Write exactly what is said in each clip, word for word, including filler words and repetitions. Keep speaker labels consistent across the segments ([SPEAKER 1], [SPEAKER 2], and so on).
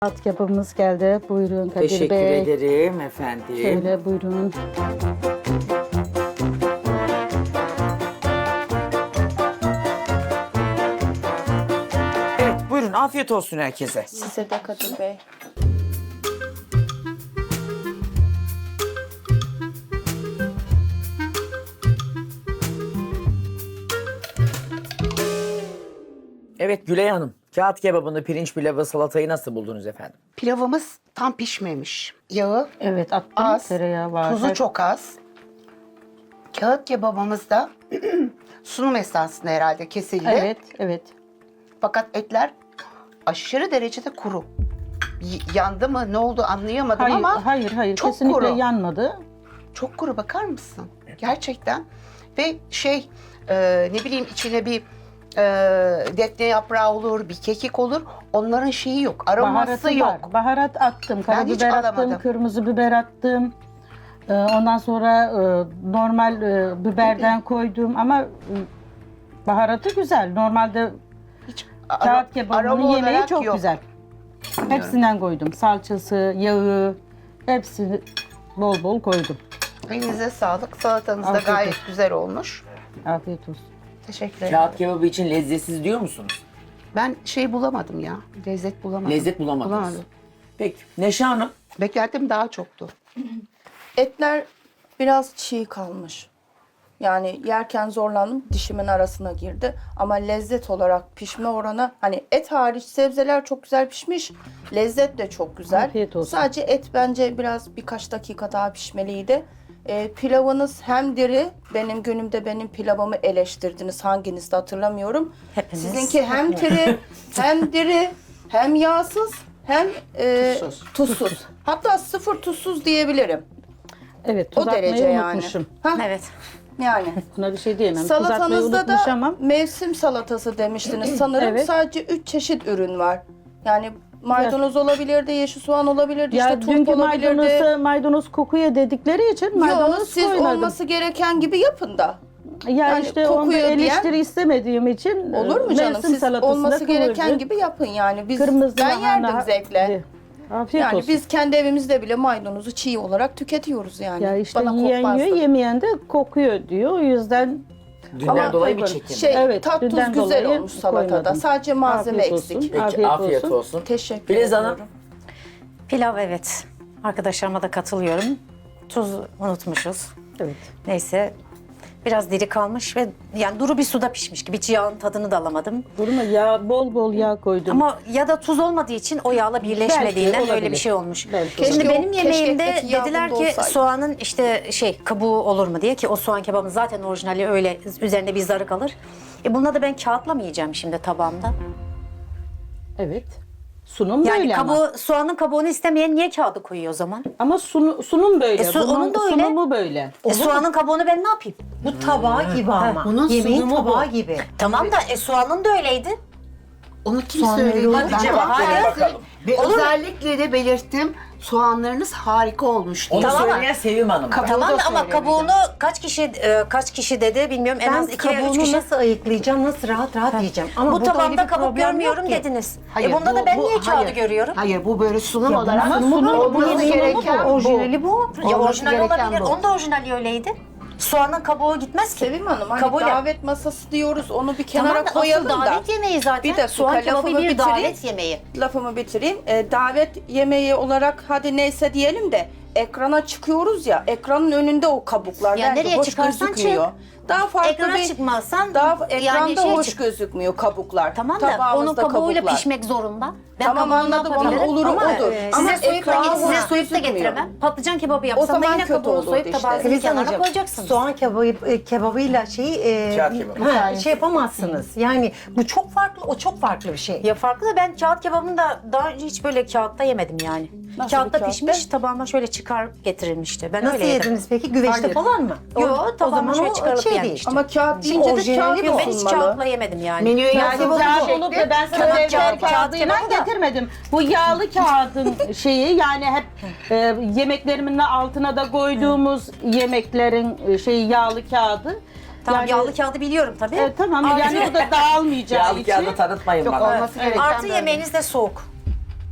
[SPEAKER 1] At kebabımız geldi. Buyurun Kadir
[SPEAKER 2] Teşekkür
[SPEAKER 1] Bey.
[SPEAKER 2] ederim efendim.
[SPEAKER 1] Şöyle buyurun.
[SPEAKER 2] Evet buyurun afiyet olsun herkese.
[SPEAKER 3] Size de Kadir Bey.
[SPEAKER 2] Evet Gülay Hanım, kağıt kebabını, pirinç pilavı, salatayı nasıl buldunuz efendim?
[SPEAKER 4] Pilavımız tam pişmemiş. Yağı
[SPEAKER 1] Evet attım.
[SPEAKER 4] az,
[SPEAKER 1] Tereyağı var.
[SPEAKER 4] tuzu çok az. Kağıt kebabımız da sunum esnasında herhalde kesildi.
[SPEAKER 1] Evet, evet.
[SPEAKER 4] Fakat etler aşırı derecede kuru. Y- yandı mı ne oldu anlayamadım
[SPEAKER 1] Hayır,
[SPEAKER 4] ama
[SPEAKER 1] hayır, hayır.
[SPEAKER 4] çok
[SPEAKER 1] Kesinlikle
[SPEAKER 4] kuru.
[SPEAKER 1] yanmadı.
[SPEAKER 4] çok kuru, bakar mısın? Gerçekten. Ve şey e, ne bileyim içine bir e, defne yaprağı olur, bir kekik olur. Onların şeyi yok, aroması
[SPEAKER 1] Baharatı
[SPEAKER 4] yok.
[SPEAKER 1] var. Baharat attım.
[SPEAKER 4] hiç
[SPEAKER 1] Karabiber attım,
[SPEAKER 4] alamadım.
[SPEAKER 1] kırmızı biber attım. Ee, Ondan sonra e, normal e, biberden koydum ama e, baharatı güzel. Normalde
[SPEAKER 4] Hiç
[SPEAKER 1] kağıt
[SPEAKER 4] aroma
[SPEAKER 1] kebabının yemeği
[SPEAKER 4] olarak
[SPEAKER 1] çok
[SPEAKER 4] yok.
[SPEAKER 1] güzel. Hepsinden koydum. Salçası, yağı, hepsini bol bol koydum.
[SPEAKER 4] Elinize sağlık. Salatanız da
[SPEAKER 1] Afiyet
[SPEAKER 4] gayet
[SPEAKER 1] olsun.
[SPEAKER 4] güzel olmuş.
[SPEAKER 1] Afiyet olsun.
[SPEAKER 4] Teşekkür ederim.
[SPEAKER 2] Kağıt kebabı için lezzetsiz diyor musunuz?
[SPEAKER 4] Ben şey bulamadım ya. Lezzet bulamadım.
[SPEAKER 2] Lezzet bulamadınız.
[SPEAKER 4] Bulamadım.
[SPEAKER 2] Peki Neşe Hanım,
[SPEAKER 4] Beklentim daha çoktu.
[SPEAKER 3] Etler biraz çiğ kalmış. Yani yerken zorlandım, dişimin arasına girdi. Ama lezzet olarak pişme oranı, hani et hariç sebzeler çok güzel pişmiş. Lezzet de çok güzel.
[SPEAKER 1] Afiyet olsun.
[SPEAKER 3] Sadece et bence biraz birkaç dakika daha pişmeliydi. Ee, pilavınız hem diri, benim günümde benim pilavımı eleştirdiniz. Hanginiz de hatırlamıyorum.
[SPEAKER 5] Hepimiz.
[SPEAKER 3] Sizinki hem diri, hem diri, hem yağsız, hem e,
[SPEAKER 4] Tuzsuz.
[SPEAKER 3] tuzsuz. Hatta sıfır tuzsuz diyebilirim.
[SPEAKER 1] Evet, tuz
[SPEAKER 3] O derece
[SPEAKER 1] atmayı
[SPEAKER 3] yani.
[SPEAKER 1] unutmuşum.
[SPEAKER 3] Ha,
[SPEAKER 5] Evet.
[SPEAKER 3] yani.
[SPEAKER 1] Buna bir şey diyemem. Tuz atmayı
[SPEAKER 3] Salatanızda da
[SPEAKER 1] unutmuşamam.
[SPEAKER 3] mevsim salatası demiştiniz sanırım.
[SPEAKER 1] Evet.
[SPEAKER 3] Sadece üç çeşit ürün var. Yani maydanoz olabilirdi, yeşil soğan olabilirdi,
[SPEAKER 1] Ya
[SPEAKER 3] işte turp
[SPEAKER 1] dünkü
[SPEAKER 3] olabilirdi.
[SPEAKER 1] maydanozu maydanoz kokuya dedikleri için
[SPEAKER 3] Yok,
[SPEAKER 1] maydanoz
[SPEAKER 3] siz
[SPEAKER 1] koymadım.
[SPEAKER 3] olması gereken gibi yapın da.
[SPEAKER 1] Ya
[SPEAKER 3] yani
[SPEAKER 1] işte onda
[SPEAKER 3] kokuyor diyen-
[SPEAKER 1] eleştiri istemediğim için
[SPEAKER 3] Olur mu
[SPEAKER 1] e,
[SPEAKER 3] canım?
[SPEAKER 1] mevsim
[SPEAKER 3] Siz
[SPEAKER 1] salatasında
[SPEAKER 3] olması gereken
[SPEAKER 1] kıvırcık,
[SPEAKER 3] gibi yapın yani. Biz
[SPEAKER 1] kırmızı
[SPEAKER 3] ben
[SPEAKER 1] lahana-
[SPEAKER 3] yerdim zevkle.
[SPEAKER 1] Afiyet
[SPEAKER 3] Yani
[SPEAKER 1] olsun.
[SPEAKER 3] biz kendi evimizde bile maydanozu çiğ olarak tüketiyoruz yani.
[SPEAKER 1] ya işte
[SPEAKER 3] Bana
[SPEAKER 1] yiyen
[SPEAKER 3] kokmazdı.
[SPEAKER 1] yiyor, yemeyen de kokuyor diyor. O yüzden
[SPEAKER 2] dünden
[SPEAKER 3] Ama
[SPEAKER 2] dolayı bir
[SPEAKER 1] koymadım.
[SPEAKER 2] çekim.
[SPEAKER 3] Şey,
[SPEAKER 1] Evet,
[SPEAKER 3] tat tuz
[SPEAKER 1] dünden
[SPEAKER 3] güzel
[SPEAKER 1] dolayı
[SPEAKER 3] olmuş salatada.
[SPEAKER 1] koymadım.
[SPEAKER 3] Sadece malzeme
[SPEAKER 1] Afiyet olsun.
[SPEAKER 3] eksik.
[SPEAKER 2] Peki
[SPEAKER 1] Afiyet
[SPEAKER 2] afiyet,
[SPEAKER 1] olsun.
[SPEAKER 2] olsun.
[SPEAKER 3] Teşekkür
[SPEAKER 2] Filiz
[SPEAKER 3] ederim.
[SPEAKER 2] Hanım,
[SPEAKER 5] Pilav evet. Arkadaşlarıma da katılıyorum. Tuz unutmuşuz.
[SPEAKER 1] evet.
[SPEAKER 5] Neyse. Biraz diri kalmış ve yani duru bir suda pişmiş gibi. Hiç yağın tadını da alamadım.
[SPEAKER 1] Durma ya, bol bol yağ koydum.
[SPEAKER 5] Ama ya da tuz olmadığı için o yağla birleşmediğinden
[SPEAKER 1] Belki
[SPEAKER 5] böyle bir
[SPEAKER 1] olabilir.
[SPEAKER 5] şey olmuş.
[SPEAKER 1] Belki
[SPEAKER 3] Keşke
[SPEAKER 5] Şimdi
[SPEAKER 3] o
[SPEAKER 5] benim yemeğimde
[SPEAKER 3] keşkekteki yağ
[SPEAKER 5] dediler
[SPEAKER 3] bunda
[SPEAKER 5] ki
[SPEAKER 3] olsaydı.
[SPEAKER 5] soğanın işte şey kabuğu olur mu diye, ki o soğan kebabın zaten orijinali öyle üzerinde bir zarı kalır. E bunda da ben kağıtla mı yiyeceğim şimdi tabağımda?
[SPEAKER 1] Evet. Sunum
[SPEAKER 5] Yani
[SPEAKER 1] böyle
[SPEAKER 5] kabuğu,
[SPEAKER 1] ama.
[SPEAKER 5] soğanın kabuğunu istemeyen niye kağıdı koyuyor o zaman?
[SPEAKER 1] Ama sunu- sunum böyle.
[SPEAKER 5] E, su-
[SPEAKER 1] Bunun
[SPEAKER 5] onun da öyle.
[SPEAKER 1] sunumu böyle.
[SPEAKER 5] E, soğanın kabuğunu ben ne yapayım?
[SPEAKER 6] Bu tabağı gibi ama.
[SPEAKER 4] bunun
[SPEAKER 6] Yemeğin
[SPEAKER 4] sunumu
[SPEAKER 6] tabağı
[SPEAKER 4] bu.
[SPEAKER 6] gibi.
[SPEAKER 5] Tamam da e, soğanın da öyleydi.
[SPEAKER 4] Onu kim
[SPEAKER 6] Soğanları
[SPEAKER 4] söyledi?
[SPEAKER 6] yok.
[SPEAKER 4] Ben
[SPEAKER 2] cevap verin
[SPEAKER 4] Hayır.
[SPEAKER 2] bakalım.
[SPEAKER 4] Ve
[SPEAKER 5] Olur mu?
[SPEAKER 4] özellikle de belirttim. Soğanlarınız harika olmuş diye.
[SPEAKER 2] onu
[SPEAKER 5] Tamam.
[SPEAKER 2] söyleyen Sevim Hanım.
[SPEAKER 4] Kabuğu
[SPEAKER 5] Tamam
[SPEAKER 4] da
[SPEAKER 5] da ama
[SPEAKER 4] söylemedi.
[SPEAKER 5] kabuğunu kaç kişi e, kaç kişi dedi bilmiyorum, en
[SPEAKER 6] Ben
[SPEAKER 5] az iki veya üç
[SPEAKER 6] kabuğunu
[SPEAKER 5] kişi.
[SPEAKER 6] nasıl ayıklayacağım, nasıl rahat rahat yiyeceğim. Ama
[SPEAKER 5] Bu
[SPEAKER 6] burada öyle
[SPEAKER 5] tabanda
[SPEAKER 6] bir
[SPEAKER 5] kabuk
[SPEAKER 6] problem yok
[SPEAKER 5] görmüyorum
[SPEAKER 6] ki.
[SPEAKER 5] dediniz.
[SPEAKER 4] Hayır,
[SPEAKER 5] e bunda
[SPEAKER 4] bu-
[SPEAKER 5] da ben
[SPEAKER 4] bu-
[SPEAKER 5] niye kağıdı
[SPEAKER 4] hayır.
[SPEAKER 5] görüyorum?
[SPEAKER 4] Hayır, bu böyle sunum
[SPEAKER 6] Ya
[SPEAKER 4] olarak
[SPEAKER 6] bunun sunumu bu,
[SPEAKER 4] olması
[SPEAKER 6] yemeğin
[SPEAKER 4] gereken
[SPEAKER 6] bu,
[SPEAKER 4] bu.
[SPEAKER 6] orijinali bu.
[SPEAKER 5] Ya
[SPEAKER 4] Olması
[SPEAKER 5] orijinal
[SPEAKER 4] gereken
[SPEAKER 5] olabilir.
[SPEAKER 4] bu.
[SPEAKER 5] Onun da orijinali öyleydi. Soğanın kabuğu gitmez ki.
[SPEAKER 3] Sevim Hanım, hani
[SPEAKER 5] Kabuğuyla-
[SPEAKER 3] davet masası diyoruz, onu bir kenara
[SPEAKER 5] Tamam da
[SPEAKER 3] koyalım
[SPEAKER 5] asıl
[SPEAKER 3] da.
[SPEAKER 5] davet yemeği zaten.
[SPEAKER 3] Bir dakika,
[SPEAKER 5] soğan kebabı
[SPEAKER 3] lafımı
[SPEAKER 5] bir
[SPEAKER 3] bitireyim.
[SPEAKER 5] davet yemeği.
[SPEAKER 3] Lafımı bitireyim. Ee, davet yemeği olarak hadi neyse diyelim de ekrana çıkıyoruz ya, ekranın önünde o kabuklar
[SPEAKER 5] Ya
[SPEAKER 3] bence
[SPEAKER 5] nereye
[SPEAKER 3] hoş
[SPEAKER 5] çıkarsan
[SPEAKER 3] gözükmüyor. Daha farklı
[SPEAKER 5] Ekrana
[SPEAKER 3] bir
[SPEAKER 5] çıkmazsan
[SPEAKER 3] daha
[SPEAKER 5] yani
[SPEAKER 3] ekranda
[SPEAKER 5] şey
[SPEAKER 3] hoş
[SPEAKER 5] çık-
[SPEAKER 3] gözükmüyor kabuklar.
[SPEAKER 5] Tamam da onun
[SPEAKER 3] Tabağımızda
[SPEAKER 5] kabuğuyla
[SPEAKER 3] kabuklar.
[SPEAKER 5] pişmek zorunda. Ben
[SPEAKER 3] Tamam,
[SPEAKER 5] kabuğunu
[SPEAKER 3] anladım, onun
[SPEAKER 5] yapabilirim.
[SPEAKER 3] oluru
[SPEAKER 5] Ama,
[SPEAKER 3] odur.
[SPEAKER 5] e,
[SPEAKER 3] Ama
[SPEAKER 5] size soyup da,
[SPEAKER 3] ekrana
[SPEAKER 5] size
[SPEAKER 3] hoş
[SPEAKER 5] soyup da
[SPEAKER 3] gözükmüyor.
[SPEAKER 5] getiremem. Patlıcan kebabı yapsam
[SPEAKER 3] zaman
[SPEAKER 5] da yine
[SPEAKER 3] kötü
[SPEAKER 5] kabuğunu
[SPEAKER 3] olurdu
[SPEAKER 5] soyup
[SPEAKER 3] işte.
[SPEAKER 5] tabağınızın
[SPEAKER 6] Filiz
[SPEAKER 5] kenara
[SPEAKER 6] Hanımcığım,
[SPEAKER 5] koyacaksınız.
[SPEAKER 6] soğan kebabı, e, kebabıyla şeyi e,
[SPEAKER 2] Kağıt kebabı.
[SPEAKER 6] ha, şey yapamazsınız. Yani bu çok farklı, o çok farklı bir şey.
[SPEAKER 5] Ya farklı da ben kağıt kebabını da daha önce hiç böyle kağıtta yemedim yani.
[SPEAKER 3] Nasıl
[SPEAKER 5] Kağıtta
[SPEAKER 3] bir kağıtta?
[SPEAKER 5] pişmiş, tabağıma şöyle çıkar getirilmişti. Ben
[SPEAKER 6] Nasıl
[SPEAKER 5] öyle yedim.
[SPEAKER 6] yediniz peki? Güveçte
[SPEAKER 3] Hayır.
[SPEAKER 6] falan mı?
[SPEAKER 5] Yo,
[SPEAKER 6] o
[SPEAKER 5] tabağıma
[SPEAKER 6] zaman
[SPEAKER 5] şöyle
[SPEAKER 6] o
[SPEAKER 5] çıkarıp
[SPEAKER 6] şey
[SPEAKER 5] yenmiştim.
[SPEAKER 6] değil.
[SPEAKER 3] Ama kağıt deyince de
[SPEAKER 6] orijinali
[SPEAKER 3] kağıt
[SPEAKER 6] bu.
[SPEAKER 5] Yok, ben hiç
[SPEAKER 3] olmalı.
[SPEAKER 5] kağıtla yemedim yani.
[SPEAKER 4] Menüye
[SPEAKER 1] Yani
[SPEAKER 4] yazdığınız
[SPEAKER 1] kağıt
[SPEAKER 4] şekli-
[SPEAKER 1] olup da ben sana
[SPEAKER 5] Tamam,
[SPEAKER 1] evvel
[SPEAKER 5] kağıt- kağıt
[SPEAKER 1] kağıdıyla
[SPEAKER 5] kebabı da-
[SPEAKER 1] getirmedim. Bu yağlı kağıdın şeyi, yani hep e, yemeklerimin altına da koyduğumuz yemeklerin e, şeyi yağlı kağıdı.
[SPEAKER 5] Tamam,
[SPEAKER 1] Yani-
[SPEAKER 5] yağlı kağıdı biliyorum tabii.
[SPEAKER 1] E, tamam yani bu da dağılmayacağı
[SPEAKER 2] Yağlı
[SPEAKER 1] için.
[SPEAKER 2] kağıdı tanıtmayın
[SPEAKER 4] Yok,
[SPEAKER 2] bana.
[SPEAKER 4] olması gereken
[SPEAKER 5] Artı
[SPEAKER 4] böyle.
[SPEAKER 5] yemeğiniz de soğuk.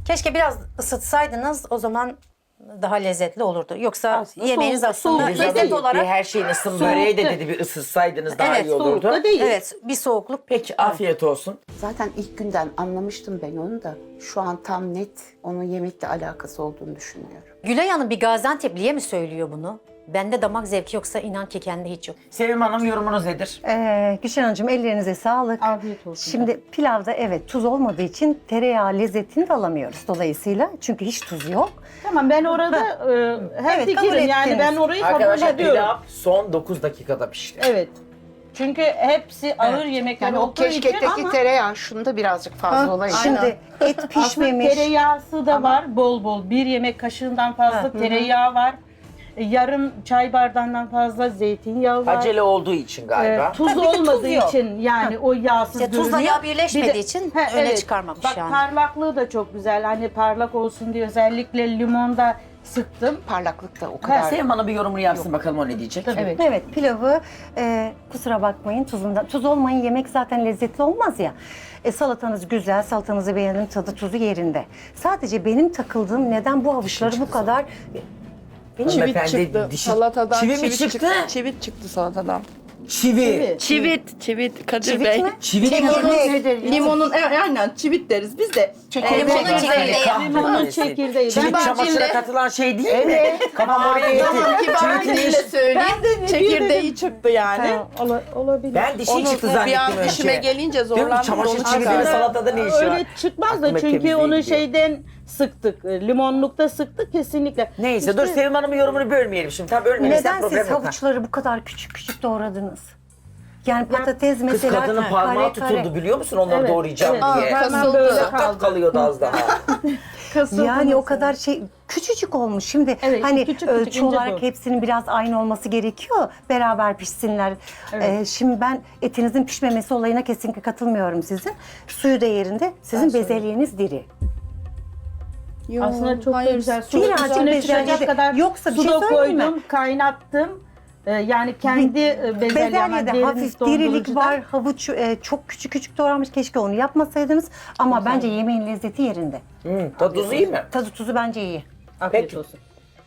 [SPEAKER 5] Keşke biraz ısıtsaydınız, o zaman daha lezzetli olurdu. Yoksa
[SPEAKER 1] Aslında
[SPEAKER 5] yemeğiniz
[SPEAKER 1] soğuk-
[SPEAKER 5] aslında
[SPEAKER 1] soğuk
[SPEAKER 2] Filiz
[SPEAKER 5] lezzet
[SPEAKER 2] Hanım,
[SPEAKER 5] olarak...
[SPEAKER 2] bir her şeyin ısın böreği de dedi bir ısıtsaydınız daha
[SPEAKER 5] Evet,
[SPEAKER 2] iyi olurdu.
[SPEAKER 1] soğukta değil.
[SPEAKER 5] Evet, bir soğukluk.
[SPEAKER 2] Peki afiyet olsun.
[SPEAKER 4] Zaten ilk günden anlamıştım ben onu da. Şu an tam net onun yemekle alakası olduğunu düşünmüyorum.
[SPEAKER 5] Gülay Hanım bir Gaziantep'liye mi söylüyor bunu? Bende damak zevki yoksa inan ki kendi hiç yok.
[SPEAKER 2] Sevim Hanım yorumunuz nedir?
[SPEAKER 6] Ee, Gülşen Hanımcığım ellerinize sağlık.
[SPEAKER 1] Afiyet olsun.
[SPEAKER 6] Şimdi pilavda evet tuz olmadığı için tereyağı lezzetini de alamıyoruz dolayısıyla. Çünkü hiç tuz yok.
[SPEAKER 1] Tamam ben orada e, hem
[SPEAKER 6] Evet, kabul
[SPEAKER 1] fikirim yani
[SPEAKER 6] ettiniz.
[SPEAKER 1] ben orayı kabul
[SPEAKER 2] Arkadaşlar
[SPEAKER 1] ediyorum.
[SPEAKER 2] pilav son dokuz dakikada pişti.
[SPEAKER 1] Evet. Çünkü hepsi ağır yemekler
[SPEAKER 4] Yani o
[SPEAKER 1] olduğu için
[SPEAKER 4] keşkekteki
[SPEAKER 1] ama
[SPEAKER 4] tereyağı şunda birazcık fazla
[SPEAKER 3] Ha,
[SPEAKER 4] olaydı.
[SPEAKER 3] aynen.
[SPEAKER 6] Şimdi et
[SPEAKER 1] aslında
[SPEAKER 6] pişmemiş.
[SPEAKER 1] tereyağısı da var bol bol. Bir yemek kaşığından fazla tereyağı var. E, Yarım çay bardağından fazla zeytinyağı var.
[SPEAKER 2] Acele olduğu için galiba.
[SPEAKER 1] Ee, tuz
[SPEAKER 6] Ha, bir de tuz
[SPEAKER 1] olmadığı
[SPEAKER 6] yok.
[SPEAKER 1] için yani o yağsız
[SPEAKER 5] İşte tuzla
[SPEAKER 1] görünüyor.
[SPEAKER 5] yağ birleşmediği
[SPEAKER 1] Bir de-
[SPEAKER 5] için
[SPEAKER 1] Ha,
[SPEAKER 5] öne çıkarmamış
[SPEAKER 1] Bak,
[SPEAKER 5] yani.
[SPEAKER 1] parlaklığı da çok güzel. Hani parlak olsun diye özellikle limon da sıktım.
[SPEAKER 4] Parlaklık da o
[SPEAKER 2] Ha,
[SPEAKER 4] kadar.
[SPEAKER 2] Sevim Hanım bir yorumunu yapsın bakalım o ne diyecek.
[SPEAKER 1] Evet.
[SPEAKER 6] Evet pilavı e, kusura bakmayın tuzundan. Tuz olmayın yemek zaten lezzetli olmaz ya. E, salatanız güzel, salatanızı beğendim, tadı tuzu yerinde. Sadece benim takıldığım neden bu havuçları bu kadar... Benim
[SPEAKER 3] Çivit
[SPEAKER 2] Hanımefendi
[SPEAKER 3] çıktı.
[SPEAKER 2] dişi-
[SPEAKER 3] Salatadan
[SPEAKER 2] Çivi mi
[SPEAKER 3] çivit
[SPEAKER 2] çıktı?
[SPEAKER 3] Çivit çıktı salatadan.
[SPEAKER 2] Çivi.
[SPEAKER 3] Çivit, çivit Kadir
[SPEAKER 6] Çivit
[SPEAKER 3] Bey.
[SPEAKER 6] mi?
[SPEAKER 2] Çivi
[SPEAKER 3] Limonun,
[SPEAKER 6] nedir?
[SPEAKER 3] limonun, e, aynen çivit deriz biz de.
[SPEAKER 4] Çekirdeği.
[SPEAKER 5] Limonun
[SPEAKER 3] Evet,
[SPEAKER 5] çekirdeği.
[SPEAKER 1] Limonun çekirdeği.
[SPEAKER 2] Çivit
[SPEAKER 3] Ben
[SPEAKER 2] çamaşıra
[SPEAKER 3] şimdi-
[SPEAKER 2] katılan şey değil mi? Kafam oraya gitti.
[SPEAKER 3] Tamam kibar
[SPEAKER 2] Çivitini-
[SPEAKER 3] diliyle söyleyeyim.
[SPEAKER 1] Ben de ne
[SPEAKER 3] Çekirdeği
[SPEAKER 1] dedim?
[SPEAKER 3] çıktı yani.
[SPEAKER 1] Ha, ola- olabilir.
[SPEAKER 2] Ben dişi
[SPEAKER 3] Onu
[SPEAKER 2] çıktı
[SPEAKER 3] bir
[SPEAKER 2] zannettim
[SPEAKER 3] an
[SPEAKER 2] önce.
[SPEAKER 3] dişime gelince
[SPEAKER 2] Diyorum ki
[SPEAKER 3] zorlandım.
[SPEAKER 2] çamaşır
[SPEAKER 3] onu
[SPEAKER 2] çividi
[SPEAKER 3] çıkardım.
[SPEAKER 2] salatada ne işi var?
[SPEAKER 1] Öyle çıkmaz da
[SPEAKER 2] Aklıma
[SPEAKER 1] çünkü
[SPEAKER 2] temizliği
[SPEAKER 1] onu
[SPEAKER 2] gidiyor.
[SPEAKER 1] şeyden sıktık. e, Limonlukta sıktık kesinlikle.
[SPEAKER 2] Neyse
[SPEAKER 1] İşte
[SPEAKER 2] dur Sevim Hanım'ın yorumunu bölmeyelim şimdi. Tam bölmemekten
[SPEAKER 6] Neden
[SPEAKER 2] problem
[SPEAKER 6] siz
[SPEAKER 2] yok.
[SPEAKER 6] havuçları bu kadar küçük küçük doğradınız? Yani patates
[SPEAKER 2] Kız
[SPEAKER 6] mesela
[SPEAKER 2] kadının
[SPEAKER 6] kare
[SPEAKER 2] parmağı
[SPEAKER 6] kare.
[SPEAKER 2] tutuldu biliyor musun onları
[SPEAKER 1] Evet,
[SPEAKER 2] doğrayacağım
[SPEAKER 1] evet.
[SPEAKER 2] diye.
[SPEAKER 3] Aa,
[SPEAKER 1] Hemen
[SPEAKER 3] kasıldı.
[SPEAKER 1] böyle
[SPEAKER 2] Sakat
[SPEAKER 1] kaldı.
[SPEAKER 2] kalıyordu az daha.
[SPEAKER 1] Kasıldı
[SPEAKER 6] Yani o
[SPEAKER 1] mesela.
[SPEAKER 6] kadar şey küçücük olmuş. Şimdi
[SPEAKER 1] Evet,
[SPEAKER 6] hani
[SPEAKER 1] küçük,
[SPEAKER 6] ölçü
[SPEAKER 1] küçük, ince
[SPEAKER 6] olarak
[SPEAKER 1] bu.
[SPEAKER 6] hepsinin biraz aynı olması gerekiyor. Beraber pişsinler.
[SPEAKER 1] Evet.
[SPEAKER 6] Ee, şimdi ben etinizin pişmemesi olayına kesinlikle katılmıyorum sizin. Suyu da yerinde. Sizin bezelyeniz diri.
[SPEAKER 3] Yo,
[SPEAKER 1] Aslında çok da
[SPEAKER 3] hayır,
[SPEAKER 1] güzel. Su
[SPEAKER 6] Birazcık
[SPEAKER 1] üstüne
[SPEAKER 6] bezelye
[SPEAKER 1] çıkacak
[SPEAKER 6] de-
[SPEAKER 1] kadar
[SPEAKER 6] Yoksa bir
[SPEAKER 1] su
[SPEAKER 6] şey
[SPEAKER 1] da
[SPEAKER 6] söyleyeyim mi?
[SPEAKER 1] koydum, kaynattım. Ee, yani kendi e, bezelye ama
[SPEAKER 6] Bezelyede
[SPEAKER 1] derin
[SPEAKER 6] hafif dirilik
[SPEAKER 1] dondurucudan-
[SPEAKER 6] var. Havuç e, çok küçük küçük doğranmış. Keşke onu yapmasaydınız. Ama bence yemeğin lezzeti yerinde.
[SPEAKER 2] Hı, tadı tuzu iyi mi?
[SPEAKER 6] Tadı tuzu bence iyi.
[SPEAKER 1] Afiyet
[SPEAKER 2] Peki.
[SPEAKER 1] olsun.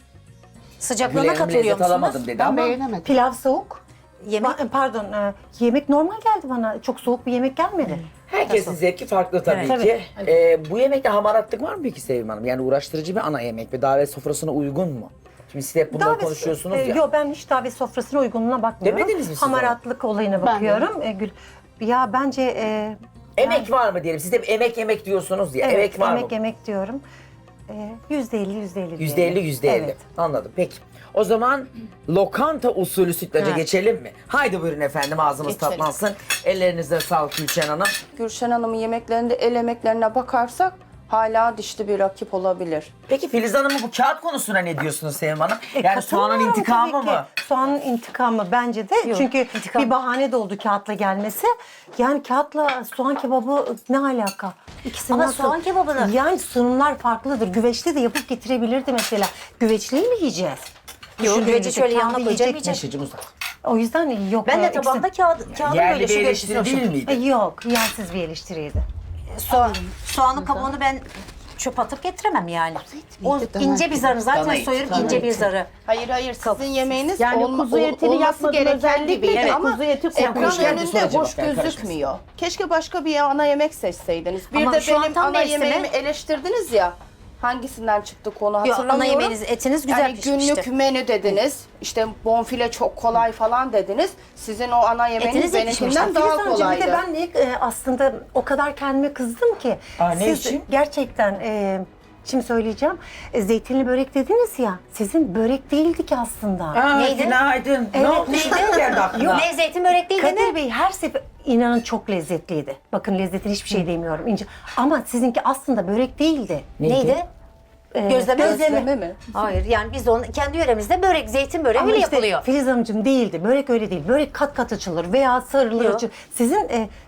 [SPEAKER 5] Sıcaklığına
[SPEAKER 2] Güleğim
[SPEAKER 5] katılıyor
[SPEAKER 2] lezzet
[SPEAKER 5] musunuz?
[SPEAKER 2] alamadım dedi
[SPEAKER 4] Ben
[SPEAKER 2] ama.
[SPEAKER 4] beğenemedim.
[SPEAKER 6] Pilav soğuk.
[SPEAKER 5] Yemek
[SPEAKER 6] Ba- Pardon, e, yemek normal geldi bana. Çok soğuk bir yemek gelmedi.
[SPEAKER 2] Herkesin zevki farklı tabii
[SPEAKER 5] Evet.
[SPEAKER 2] ki. Ee, bu yemekte hamaratlık var mı peki Sevim Hanım? Yani uğraştırıcı bir ana yemek ve davet sofrasına uygun mu? Şimdi siz hep bunları
[SPEAKER 6] Davet-
[SPEAKER 2] konuşuyorsunuz
[SPEAKER 6] e,
[SPEAKER 2] ya.
[SPEAKER 6] Yok ben hiç davet sofrasına uygunluğuna bakmıyorum.
[SPEAKER 2] Demediniz mi siz
[SPEAKER 6] Hamaratlık olayına bakıyorum. E, Gül, ya bence e,
[SPEAKER 2] Emek var mı diyelim? Siz hep emek yemek diyorsunuz ya.
[SPEAKER 6] evet,
[SPEAKER 2] emek var
[SPEAKER 6] emek
[SPEAKER 2] mı?
[SPEAKER 6] yemek diyorum. E, Yüzde elli, yüzde elli.
[SPEAKER 2] Yüzde elli, yüzde elli.
[SPEAKER 6] Evet.
[SPEAKER 2] Anladım. Peki. O zaman lokanta usulü sütlaca geçelim mi? Haydi buyurun efendim ağzımız
[SPEAKER 3] Geçelim.
[SPEAKER 2] tatlansın. Ellerinize sağlık Gülşen Hanım.
[SPEAKER 3] Gülşen Hanım'ın yemeklerinde el emeklerine bakarsak hala dişli bir rakip olabilir.
[SPEAKER 2] Peki Filiz Hanım'ın bu kağıt konusuna ne diyorsunuz Sevim Hanım?
[SPEAKER 6] E,
[SPEAKER 2] yani soğanın
[SPEAKER 6] katılıyorum
[SPEAKER 2] intikamı
[SPEAKER 6] tabii ki.
[SPEAKER 2] mı?
[SPEAKER 6] Soğanın intikamı bence de. Çünkü
[SPEAKER 5] intikam.
[SPEAKER 6] bir bahane de oldu kağıtla gelmesi. Yani kağıtla soğan kebabı ne alaka? İkisi
[SPEAKER 5] Ama
[SPEAKER 6] nasıl?
[SPEAKER 5] soğan kebabını-
[SPEAKER 6] Yani sunumlar farklıdır. Güveçli de yapıp getirebilirdi mesela. Güveçliyi mi yiyeceğiz?
[SPEAKER 5] Yok,
[SPEAKER 6] Düşündüğümüzde
[SPEAKER 5] güveci şöyle
[SPEAKER 6] kendi
[SPEAKER 5] yanına koyacağım,
[SPEAKER 6] yiyecek
[SPEAKER 5] yiyeceğim.
[SPEAKER 2] Neşeciğim uzak.
[SPEAKER 6] O yüzden yok.
[SPEAKER 5] Ben
[SPEAKER 6] e,
[SPEAKER 5] de
[SPEAKER 6] ikisi-
[SPEAKER 5] tabağımda kağıt, kağıdın
[SPEAKER 2] Yerli
[SPEAKER 5] böyle
[SPEAKER 2] bir
[SPEAKER 5] şu
[SPEAKER 2] eleştiri
[SPEAKER 5] görüntüsü
[SPEAKER 2] değil
[SPEAKER 5] olsun.
[SPEAKER 6] E,
[SPEAKER 2] miydi?
[SPEAKER 6] yok, yersiz bir eleştiriydi.
[SPEAKER 5] Soğan, soğanın kabuğunu ben çöp atıp getiremem yani. O
[SPEAKER 4] dana
[SPEAKER 5] ince bir
[SPEAKER 4] eti.
[SPEAKER 5] zarı zaten
[SPEAKER 2] Dana eti,
[SPEAKER 5] soyarım
[SPEAKER 2] dana
[SPEAKER 5] ince bir
[SPEAKER 2] eti.
[SPEAKER 5] zarı.
[SPEAKER 3] Hayır hayır sizin yemeğiniz
[SPEAKER 1] Yani
[SPEAKER 3] olma-
[SPEAKER 1] kuzu
[SPEAKER 3] ol-
[SPEAKER 1] etini
[SPEAKER 3] olması
[SPEAKER 1] yapmadın
[SPEAKER 3] gereken
[SPEAKER 1] özellikle
[SPEAKER 3] gibiydi
[SPEAKER 1] de
[SPEAKER 3] ama
[SPEAKER 1] kuzu eti
[SPEAKER 3] ekran
[SPEAKER 1] koymuş.
[SPEAKER 2] Geldi,
[SPEAKER 3] önünde
[SPEAKER 2] soracağım,
[SPEAKER 3] hoş
[SPEAKER 2] ben karışmasın.
[SPEAKER 3] gözükmüyor. Keşke başka bir ana yemek seçseydiniz. Bir
[SPEAKER 5] Ama
[SPEAKER 3] de
[SPEAKER 5] şu an
[SPEAKER 3] benim
[SPEAKER 5] tam
[SPEAKER 3] ana
[SPEAKER 5] mevsimi.
[SPEAKER 3] yemeğimi eleştirdiniz ya. Hangisinden çıktı konu
[SPEAKER 5] Yok,
[SPEAKER 3] hatırlamıyorum.
[SPEAKER 5] ana yemeğiniz etiniz güzel
[SPEAKER 3] yani
[SPEAKER 5] pişmişti.
[SPEAKER 3] günlük menü dediniz. İşte bonfile çok kolay falan dediniz. Sizin o ana yemeğiniz
[SPEAKER 5] Etiniz de
[SPEAKER 3] benimkinden
[SPEAKER 5] pişmişti.
[SPEAKER 3] daha
[SPEAKER 6] Filiz Hanımcığım,
[SPEAKER 3] kolaydı.
[SPEAKER 6] bir de ben de, e, aslında o kadar kendime kızdım ki.
[SPEAKER 2] Aa, ne
[SPEAKER 6] siz
[SPEAKER 2] için?
[SPEAKER 6] gerçekten e, şimdi söyleyeceğim. E, zeytinli börek dediniz ya. Sizin börek değildi ki aslında.
[SPEAKER 2] Aa,
[SPEAKER 5] Neydi?
[SPEAKER 2] günaydın.
[SPEAKER 6] Evet,
[SPEAKER 2] ne oldu?
[SPEAKER 6] neydi?
[SPEAKER 2] Ne geldi aklına?
[SPEAKER 5] Ne zeytin börek değil
[SPEAKER 6] Kadir
[SPEAKER 5] dedi.
[SPEAKER 6] Bey her sefer inanın çok lezzetliydi. Bakın lezzetine hiçbir şey demiyorum. İnce. Ama sizinki aslında börek değildi.
[SPEAKER 2] Neydi?
[SPEAKER 5] Neydi?
[SPEAKER 6] E,
[SPEAKER 5] Gözleme.
[SPEAKER 3] Gözleme mi?
[SPEAKER 5] Hayır yani biz onu kendi yöremizde börek, zeytin böreği
[SPEAKER 6] Ama
[SPEAKER 5] öyle
[SPEAKER 6] işte
[SPEAKER 5] yapılıyor.
[SPEAKER 6] Filiz Hanımcığım değildi. Börek öyle değil. Börek kat kat açılır veya sarılır
[SPEAKER 5] Yok.
[SPEAKER 6] açılır. Sizin e,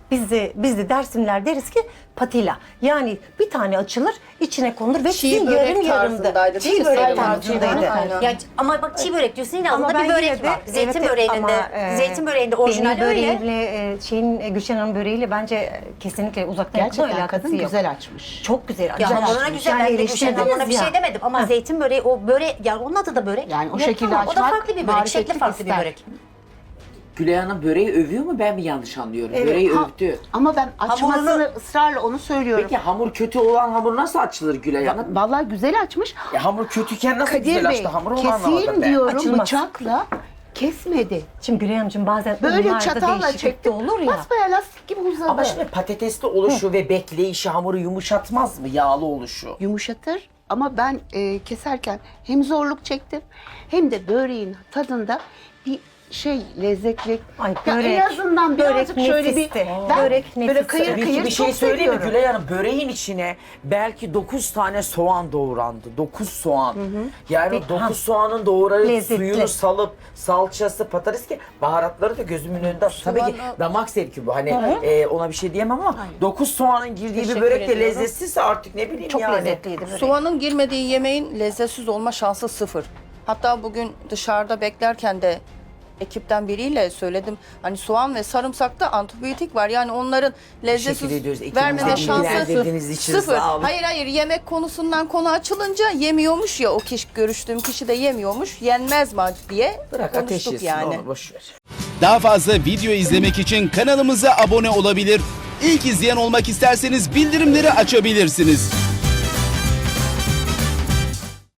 [SPEAKER 6] Biz de biz de Dersimler deriz ki patila. Yani bir tane açılır, içine konulur ve
[SPEAKER 3] Çiğ
[SPEAKER 6] sizin
[SPEAKER 3] börek
[SPEAKER 6] yarım yarımda.
[SPEAKER 3] tarzındaydı değil
[SPEAKER 6] Çiğ
[SPEAKER 3] mi
[SPEAKER 6] börek
[SPEAKER 3] Sayın
[SPEAKER 6] tarzındaydı.
[SPEAKER 3] Aynen.
[SPEAKER 5] Ya, ama bak çiğ börek diyorsun yine
[SPEAKER 6] Ama
[SPEAKER 5] altında
[SPEAKER 6] ben
[SPEAKER 5] bir börek
[SPEAKER 6] yine de-
[SPEAKER 5] var. Zeytin
[SPEAKER 6] evet,
[SPEAKER 5] böreğinde
[SPEAKER 6] ama,
[SPEAKER 5] de,
[SPEAKER 6] e,
[SPEAKER 5] zeytin böreğinde orijinal
[SPEAKER 6] benim
[SPEAKER 5] öyle.
[SPEAKER 6] böreğimle, e, şeyin e, Gülşen Hanım böreğiyle bence kesinlikle uzaktan yakın
[SPEAKER 4] Gerçekten
[SPEAKER 6] alakası
[SPEAKER 4] kadın
[SPEAKER 6] yok.
[SPEAKER 4] güzel açmış.
[SPEAKER 6] Çok güzel.
[SPEAKER 5] Ya
[SPEAKER 6] güzel
[SPEAKER 5] hamuruna
[SPEAKER 6] açmış.
[SPEAKER 5] güzel,
[SPEAKER 6] Yani
[SPEAKER 5] ben de Gülşen
[SPEAKER 6] eleştirdiniz
[SPEAKER 5] hamuruna bir
[SPEAKER 6] ya.
[SPEAKER 5] şey demedim ama zeytin böreği o börek, yani onun adı da börek.
[SPEAKER 4] Yani o
[SPEAKER 5] Yok
[SPEAKER 4] şekilde
[SPEAKER 5] ama O da
[SPEAKER 4] açmak
[SPEAKER 5] farklı bir börek, şekli
[SPEAKER 4] marifetlik
[SPEAKER 5] farklı bir
[SPEAKER 4] ister.
[SPEAKER 5] börek.
[SPEAKER 2] Gülay Hanım böreği övüyor mu, ben mi yanlış anlıyorum?
[SPEAKER 6] Evet,
[SPEAKER 2] Böreği
[SPEAKER 4] Ha-
[SPEAKER 2] övdü.
[SPEAKER 4] Ama ben açmasını
[SPEAKER 5] Hamurunu-
[SPEAKER 4] ısrarla onu söylüyorum.
[SPEAKER 2] Peki hamur kötü olan hamur nasıl açılır Gülay Hanım?
[SPEAKER 4] Vallahi güzel açmış.
[SPEAKER 2] Ya hamur kötüyken nasıl
[SPEAKER 4] Kadir
[SPEAKER 2] güzel
[SPEAKER 4] Bey,
[SPEAKER 2] açtı? Hamur onu anlamadım
[SPEAKER 4] keseyim
[SPEAKER 2] ben.
[SPEAKER 4] diyorum
[SPEAKER 6] Açılmaz.
[SPEAKER 4] bıçakla, kesmedi.
[SPEAKER 6] Şimdi Gülay Hanımcığım bazen
[SPEAKER 4] Böyle
[SPEAKER 6] unlarda
[SPEAKER 4] çatalla
[SPEAKER 6] değişiklik de
[SPEAKER 4] çektim.
[SPEAKER 6] olur ya.
[SPEAKER 4] Basbayağı lastik gibi uzadı.
[SPEAKER 2] Ama şimdi patatesli oluşu ve bekleyişi hamuru yumuşatmaz mı? Yağlı oluşu.
[SPEAKER 4] Yumuşatır ama ben e, keserken hem zorluk çektim hem de böreğin tadında bir şey lezzetli.
[SPEAKER 6] Ay,
[SPEAKER 4] Ya
[SPEAKER 6] börek,
[SPEAKER 4] en azından
[SPEAKER 6] börek
[SPEAKER 4] birazcık şöyle bir
[SPEAKER 6] nefisti.
[SPEAKER 4] ben
[SPEAKER 6] Börek
[SPEAKER 4] böyle
[SPEAKER 6] nefisti.
[SPEAKER 4] kıyır
[SPEAKER 2] Peki
[SPEAKER 4] kıyır
[SPEAKER 2] bir şey
[SPEAKER 4] çok
[SPEAKER 2] söyleyeyim mi
[SPEAKER 4] seviyorum.
[SPEAKER 2] Gülay Hanım? Böreğin içine belki dokuz tane soğan doğrandı. dokuz soğan. Yani
[SPEAKER 6] Peki,
[SPEAKER 2] dokuz
[SPEAKER 6] ha.
[SPEAKER 2] soğanın doğrayıp
[SPEAKER 6] Lezzetli.
[SPEAKER 2] suyunu salıp salçası, patates ki baharatları da gözümün önünde. Tabii ki
[SPEAKER 3] Soğanı-
[SPEAKER 2] damak zevki bu. Hani e, ona bir şey diyemem ama dokuz soğanın girdiği bir
[SPEAKER 3] Teşekkür
[SPEAKER 2] börek de
[SPEAKER 3] ediyorum.
[SPEAKER 2] lezzetsizse artık ne bileyim
[SPEAKER 6] Çok
[SPEAKER 2] yani.
[SPEAKER 6] lezzetliydi börek.
[SPEAKER 3] Soğanın girmediği yemeğin lezzetsiz olma şansı sıfır. Hatta bugün dışarıda beklerken de ekipten biriyle söyledim. Hani soğan ve sarımsakta antibiyotik var. Yani onların
[SPEAKER 2] Teşekkür ediyoruz.
[SPEAKER 3] lezzetsiz
[SPEAKER 2] İkiniz
[SPEAKER 3] vermeme
[SPEAKER 2] de
[SPEAKER 3] şansı
[SPEAKER 2] bilgilendirdiğiniz için
[SPEAKER 3] sıfır.
[SPEAKER 2] sağ olun.
[SPEAKER 3] Hayır hayır, yemek konusundan konu açılınca yemiyormuş ya, o kişi, görüştüğüm kişi de yemiyormuş. Yenmez mi diye
[SPEAKER 2] Bırak ateş
[SPEAKER 3] konuştuk
[SPEAKER 2] yesin
[SPEAKER 3] yani.
[SPEAKER 2] onu boş ver.
[SPEAKER 7] Daha fazla video izlemek için kanalımıza abone olabilir. İlk izleyen olmak isterseniz bildirimleri açabilirsiniz.